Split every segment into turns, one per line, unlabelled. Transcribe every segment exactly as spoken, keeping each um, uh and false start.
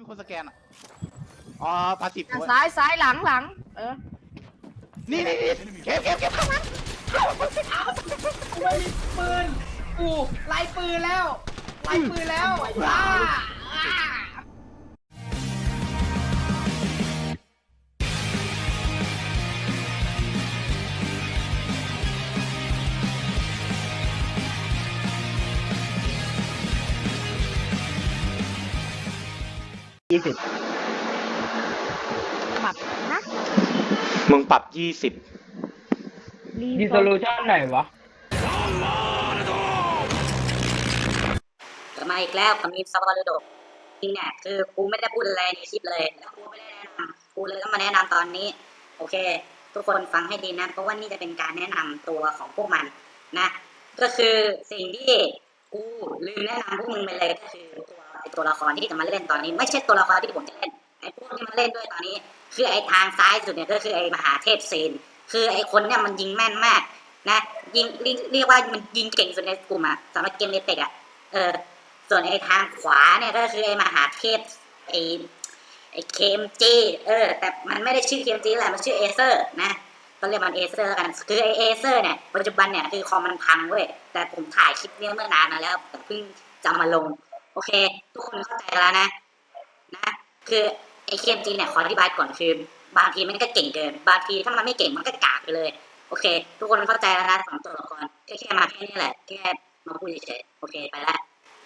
มีคนสแกนอ่ะอ๋อพาสิบ
ซ้ายซ้ายหลังหลังเออ
นี่นี่นี่เก็บเก็บเก็บข้างหลัง
กูไม่มีปืนกูไล่ปืนแล้วไล่ปืนแล้วว้า
ยี่สิบ
ปรับนะ
มึงปรับยี่สิบ
ดีโซลูชั่นไหนวะ
กลับมาอีกแล้วกับมีมซาวาลูโดจริงเนี่ยคือกูไม่ได้พูดอะไรในคลิปเลยแล้วกูไม่ได้แนะนำกูเลยต้องมาแนะนำตอนนี้โอเคทุกคนฟังให้ดีนะเพราะว่านี่จะเป็นการแนะนำตัวของพวกมันนะก็คือสิ่งที่กูลืมแนะนำพวกมึงไปเลยก็คือตัวไอตัวละครที่จะมาเล่นตอนนี้ไม่ใช่ตัวละครที่ผมจะเล่นไอพวกที่มาเล่นด้วยตอนนี้คือไอทางซ้ายสุดเนี่ยก็คือไอมหาเทพซีนคือไอคนเนี่ยมันยิงแม่นมากนะยิงเรียกว่ามันยิงเก่งสุดในกลุ่มอะสำหรับเกมเนเต็กอะเออส่วนไอ้ทางขวาเนี่ยก็คือไอ้มหาเทพไอ้ไอ้เคมจีเออแต่มันไม่ได้ชื่อเคมจีแหละมันชื่อเอเซอร์นะก็เรียกมันเอเซอร์แล้วกันคือไอ้เอเซอร์เนี่ยปัจจุบันเนี่ยคือคอมมันพังเว้ยแต่ผมถ่ายคลิปนี้เมื่อนานมาแล้วแต่เพิ่งจะมาลงโอเคทุกคนเข้าใจแล้วนะนะคือไอ้เคมจีเนี่ยขออธิบายก่อนคือบางทีมันก็เก่งเกินบางทีถ้ามันไม่เก่งมันก็กากไปเลยโอเคทุกคนเข้าใจแล้วนะสองตัวละครแค่แค่มาแค่นี้แหละแค่มาพูดเฉยๆโอเคไปละ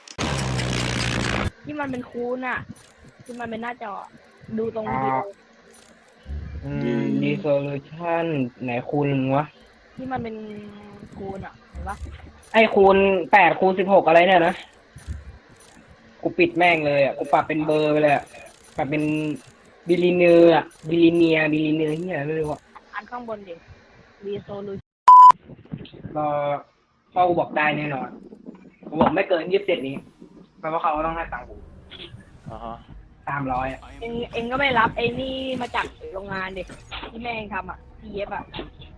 ที่มันเป็นคูณอ่ะที่มันเป็นหน้าจอดูตรงวิดีโอ
อืมดีโซลูชั่นไหนคูณวะ
ที่มันเป็นคูณอ่ะเห็นปะ
ไอ้คูณแปดคูณสิบหกอะไรเนี่ยนะกูปิดแม่งเลยอ่ะกูปรับเป็นเบอร์ไปเลยอ่ะปรับเป็นบิลิเนียอ่ะบิลิเนียบิลิเนียที่ไหนไม่รู้อ่ะ
อันข้างบนดิดีโซลู
รอพ่อกูบอกได้แน่นอนกูบอกไม่เกินยี่สิบเจ็ดนี้แปลว่าเขาต้องให้ตังค์กูสามร้อย
เองเองก็ไม่รับไอ้นี่มาจากโรงงานดิที่แม่เองทำอ่ะที่เย็บอ่ะ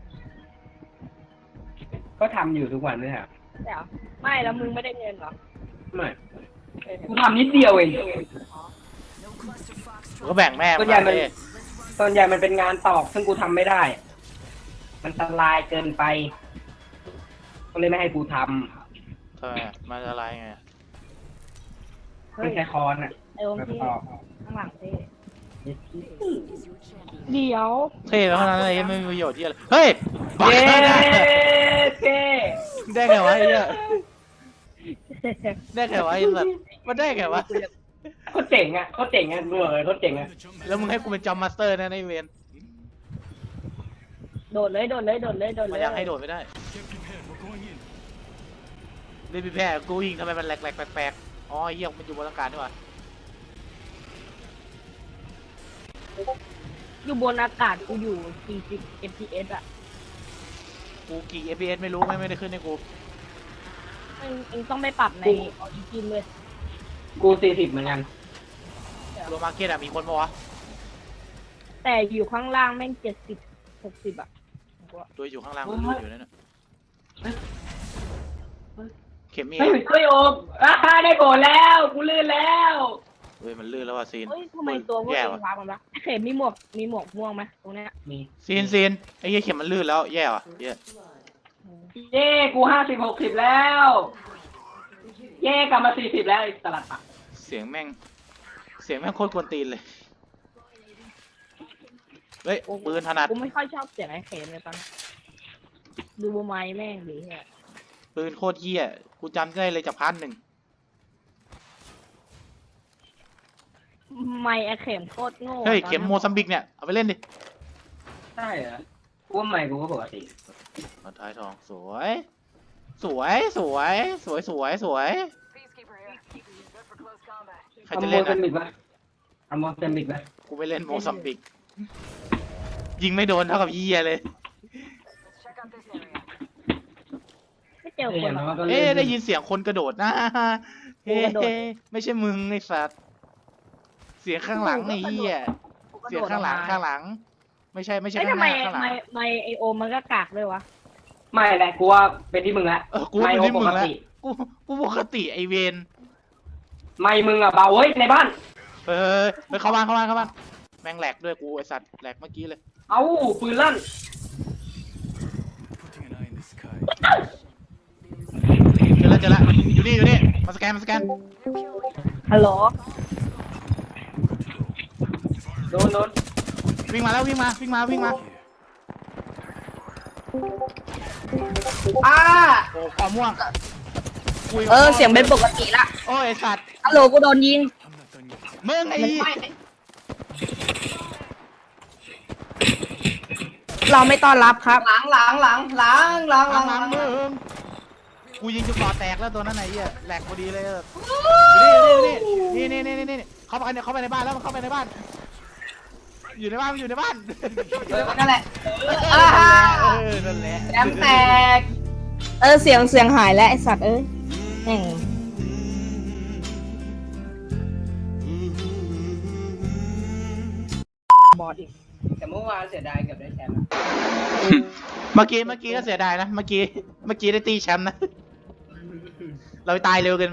ก็ทำอยู่ทุกวันด้วยครับ
แต่ไม่แล้วมึงไม่ได้เงินเหรอ
ไม่กูทำนิดเดียวเอง
ก็แบ่งแม่
ส่วนใหญ่มันส่วนใหญ่มันเป็นงานตอกซึ่งกูทำไม่ได้มันอันตรายเกินไปก็เลยไม่ให้กูท
ำทำไมมันอันตรายไง
ไม่ใช่คอนอ่ะ
ไอ้องค์ที่ข้างหลังเท่เดี๋ยว
เท่แล้วเท่านั้นเลยไม่มีประโยชน์ที่อะไรเฮ้ย
เย้เท่
ได้ไงวะไอ้เนี่ยได้ไงวะไอ้สัตว์มันได้ไงวะ
เขาเจ๋งอ่ะเขาเจ๋งอ่ะดูเลยเขาเจ๋งอ่ะ
แล้วมึงให้กูเป็นจอมมาสเตอร์นะในเวน
โดดเลยโดดเลยโดดเลยโดดเลย
มันยังให้โดดไม่ได้เล่นพี่แพ้กูยิงทำไมมันแหลกแหลกแปลกๆอ๋อเหี้ยมันอยู่บนอากาศด้วย
อยู่บนอากาศกูอยู่สี่สิบ เอฟ พี เอส อ่ะ
กูกี่ เอฟ พี เอส ไม่รู้ไม่ไม่ได้ขึ้นให้กู
เองเองต้องไปปรับในออริจินเลย
กูสี่สิบเหมือนกัน
โรมาร์เก็ตอะมีคนปะวะ
แต่อยู่ข้างล่างแม่งเจ็ดสิบหกสิบอ่ะ
ตัวอยู่ข้างล่างมันอยู่นั่นน่ะเข็มมี
เฮ้ยเฮ้ยโอมอ่าได้โกรธแล้วกูลื่นแล้ว
เฮ้ยมันลื่นแล้วว่ะซีน
เฮ้ยทำไมตัวพวกเองว้ามันวะเข็มมีหมวกมีหมวกม่วงไหมตรงนี้
มี
ซีนซีนไอ้เหี้ยเข็มมันลื่นแล้วแย่ว่ะเย่
เย่กูห้าสิบหกสิบแล้วเย่กลับมาสี่สิบแล้วตลาดปะ
เสียงแม่งเสียงแม่งโคตรกวนตีนเลยเฮ้ยปืนถนัด
กูไม่ค่อยชอบเสียงไอ้เข็มเลยตอนดูโบไม้แม่งดีแฮะ
ปืนโคตรเหี้ยกูจำได้เลยจากพันหนึ่ง
ไม่ไอ้เข็มโคตรโง่
เฮ้ยเข็มโมซัมบิกเนี่ยเอาไปเล่นดิ
ใช่เหรอกูว่าไม่กูก็ปกติ
มาท้ายทองสวยสวยสวยสวยสวยสวยใครจะเล่น
อ่ะทำโมซัมบิกไหม
กูไปเล่นโมซัมบิกยิงไม่โดนเท่ากับเหี้ยเลย
ไม่เจอคน
เอ๊ะได้ยินเสียงคนกระโดดนะเฮ้ไม่ใช่มึงไอ้สัตว์เสียงข้างหลังไอ้เหี้ยเสียงข้างหลังข้างหลังไม่ใช่ไม่ใช่ข้างหน้าข้างหลัง
ไม่ไม่ไอโอมันก็กากเลยวะ
ไม่แหละกูว่าเป็นที่มึงละ
เออกูเป็นที่มึงละกูกูปกติไอเวน
ไม่มึงอ่ะเบาเว้ยในบ้าน
เฮ้ยเฮ้ยเข้าบ้านเข้าบ้านเข้าบ้านแม่งแหลกด้วยกูไอสัตว์แหลกเมื่อกี้เลย
เอ้าปืนลั่น
เจอแล้วเจอแล้วอยู่นี่อยู่นี่มาสแกนมาสแกน
ฮัลโหล
โดนโดน
วิ่งมาแล้ววิ่งมาวิ่งมาวิ่งมา
อ่า
โอ้ความม่วงคุยกับ
เออ
พ่
เสียงเป็นปกติละ
โอ้ยไอสัตว์
ฮัลโหลกูโดนยิง
มึงไอ้
ไม่
เราไม่ต้อนรับครับ
หลังหลังหลังหลังหลังห
ห
ลั
ลั
ง
ง
ห
ห
ลั
ลั
ง
งมึงกูยิงจุดต่อแตกแล้วตัวนั้นไหนเหี้ยแหลกพอดีเลยอยู่นี่อยู่นี่นี่นี่นี่นี่เข้าไปเข้าไปในบ้านแล้วมันเข้าไปในบ้าน อยู่ในบ้านอยู่ในบ้าน
นั่นแหละ
เอ
อ่า
อนั่นแหละ
แอมแตก
เออเสียงเสียงหายแล้วไอสัตว์เอ้ยแม่ง บอดอีก
แต่เมื่อวานเสียดายเกือบได้แชมป์อะ
เมื่อกี้เมื่อกี้ก็เสียดายนะเมื่อกี้เมื่อกี้ได้ตีแชมป์นะเราตายเร็วเกินไป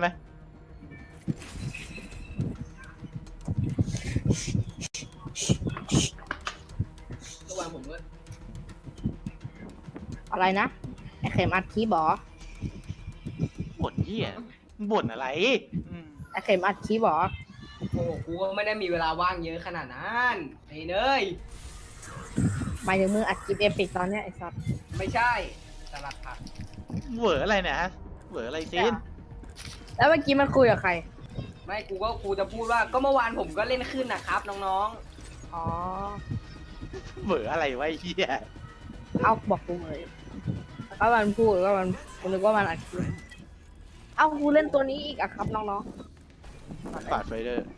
เมื่อวานผมก็
อะไรนะไอเข็มอัดคีย์บอ
บ่นเหี้ยบ่นอะไรอืม
ไอเข็มอัดคีย์บอ
โอ้โหกูก็ไม่ได้มีเวลาว่างเยอะขนาดนั้นไอ้เนย
หมายถึงมืออัดคลิปเอพิกตอนเนี้ยไอสัตว์
ไม่ใช่สลัดผัก
เหวออะไรเนี่ยฮะเหวออะไรซีน
แล้วเมื่อกี้มันคุยกับใคร
ไม่กูก็กูจะพูดว่าก็เมื่อวานผมก็เล่นขึ้นนะครับน้อง
อ๋อ
เหวออะไรวะไอ้เหี้ย
เอาบอกกูเลยแล้วก็มันพูดก็มันกูนึกว่ามันอัดคลิปเอากูเล่นตัวนี้อีกอะครับน้อง
ปาดไฟเดอร์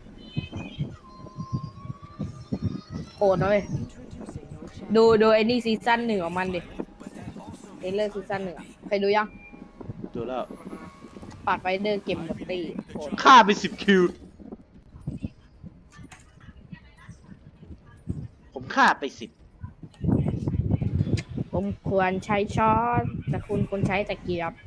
ๆโกรธนะเว้ยดูดูไอ้นี่ซีซั่นหนึ่งของมันดิเอเลอร์ซีซั่นหนึ่งอะเคยดูยัง
ดูแล้ว
ปาดไฟเดอร์เก็บหมดตีโหด
ฆ่าไปสิบคิวผมฆ่าไปสิบ
ผมควรใช้ช้อนแต่คุณควรใช้ตะเกียบ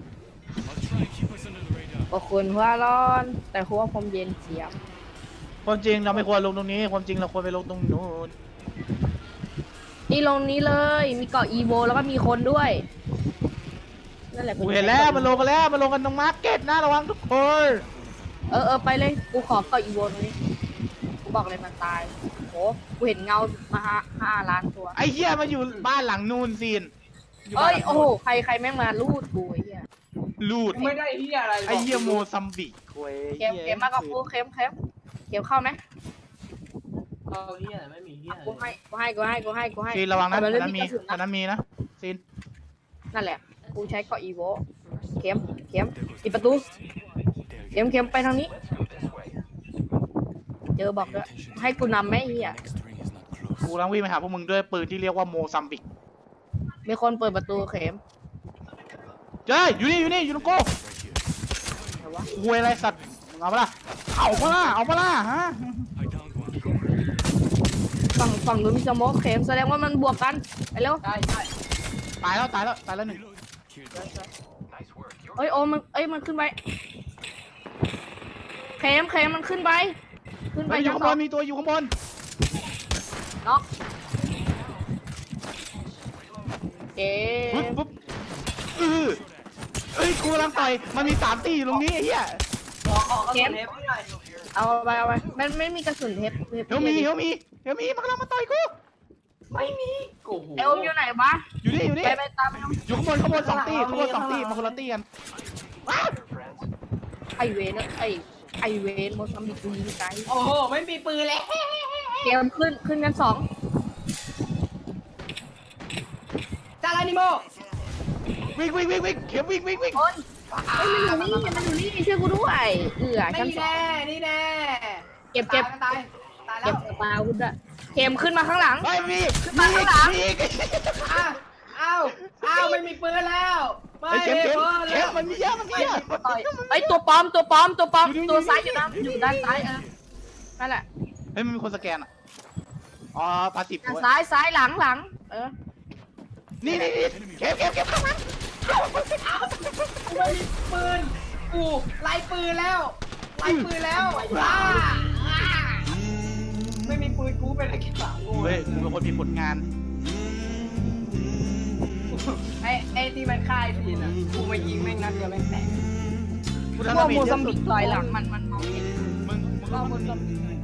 ก็คุณหัวร้อน แต่หัวผมเย็นเฉียบ
ความจริงเราไม่ควรลงตรงนี้ ความจริงเราควรไปลงตรงนู้น
นี่ลงนี้เลย มีเกาะอีโวแล้วก็มีคนด้วย นั่นแหละ
กูเห็นแล้วมันลงกันแล้วมันลงกันตรงมาร์เก็ตนะระวังทุกคน
เออเออไปเลย กูขอเกาะอีโวตรงนี้ กูบอกเลยมันตายโหกูเห็นเงามาห้าห้าล้านตัว
ไอ้เหี้ยมาอยู่บ้านหลังนู่นซีน
เอ้ย โอ้โห ใครใครแม่งมาลูดกูไอ้เหี้ย
ลูด
ๆไม่ได้เฮียอะไรหรก
ไอ้เหี้ยโมซัมบิกคุย
เข็มเข็มมากับกูเข็มเข็มเข็มเข้าไหม
เอาเฮียไม่มีเฮีย
กูให้ กูให้ กูให้ กูให้ กูให้
ซีนระวังนะ
แต่
อัน
มั
นั้นมี
กระสุน
อัน
นะ
นั้นมีนะซีน
นั่นแหละ กูใช้เกาะอีโวเข็มเข็มปิดประตู เข็มเข็มไปทางนี้ เจอบอกด้วยให้กูนำไหมไอ้เฮีย
กูกำลังวิ่งไปหาพวกมึงด้วยปืนที่เรียกว่าโมซัมบิก
มีคนเปิดประตูเข็ม
เจ้ยอยู่นี่อยู่นี่อยู่ตรงกู
ไหนวะ
หวยอะไรสัตว์มึงเอาปะล่ะเอาปะล่ะเอาปะล่ะฮะ
ฝั่งฝั่งนู้นมีสโมกเข็มแสดงว่ามันบวกกันไปเร็ว
ใช่ใช่
ตายแล้วตายแล้วตายแล้วหนึ่ง
เอ้ยโอมมันเอ้ยมันขึ้นไปเข็มเข็มมันขึ้นไปขึ้นไป
เฮ้ยอยู่
ชั้น
ข้าง
ส
บ
อง
นมีตัวอยู่ข้างบน
น็อกเก๋
ปุ๊บปุ๊บเออเอ้ยกูกำลังต่อยมันมีสามตีอยู่ตรงนี้ไอ้เหี้ย
ขอขอกระสุนเทปให้หน่อย
เอาไปเอาไปมันไม่มีกระสุนเทปทป
เฮลมีเฮลมีเฮลมีมันกำลังมาต่อยกู
ไม่มีโอ้โห
ไอโอมอยู่ไหนวะ
อยู่นี่อยู่นี่
ไปไปตามไปเอา
อยู่ข้างบนข้างบนสองตีข้างบนสองตีมาคนละตีกันว้าว
ไอเวนไอไอเวนโมซัมบิกกูยิงไกล
โอ้โหไม่มีปืนเลย
เกมขึ้นขึ้นกันสอง
จารานิโม
วิ่งวิ่งวิ่งวิ่งเข็มวิ่งวิ่งวิ่ง
คนเฮ้ยมันอยู่นี่มันอยู่นี่ช่วยกูด้วยเอือชั้น
นี่
สอง
แน่นี่แน่
เก็บเก็บ
ตายตายตายแล้
เก็บ
ว
กระเป๋าคุณด้วยเข็มขึ้นมาข้างหลัง
เฮ้ยมี
ขึ้น
มี
มาข้างหลัง
มีอีก
อ้าวอ้าวอ้าวไม่มีปืนแล้วไม่
เฮ้ยเข็ม
มี
เข็ม
ปืน
เข็
แล้
ม
ว
มันมีเยอะมันมีเยอะ
ต่อยไอยตัวปลอมตัวปลอมตัวปลอม
อยู่
ตัว
นี่
ซ้าย
อยู่
อยู่
นี่
นะอยู่ด้านซ้ายเออนั่นแหละ
เฮ้ยมันมีคนสแกนอ่ะอ๋อปาสิบ
ด้าน
ด้วย
ซ้ายซ้ายหลังหลังเออ
นี่นี่นี่เข็มเข็มเข็มข้างหลัง
กูไม่มีปืนกูไล่ปืนแล้วไล่ปืนแล้วอ่าอ่ากูเป็นนักกีฬากู
เฮ้ยกูเป็นคนมีผลงาน
ไอ้ไอ้ที่มันฆ่าไอ้พีนอ่ะกูมายิงแม่งนัดเดียวแม่งแตก
กู
พ
ทำ
ว
ดาก เมจ
มู
เย
ซั
อะ
ม
สุ
บิ
ด
กลอยหลังมันมันมองเห็น
มึงมึง
พว
ก็
กมูซัมบิก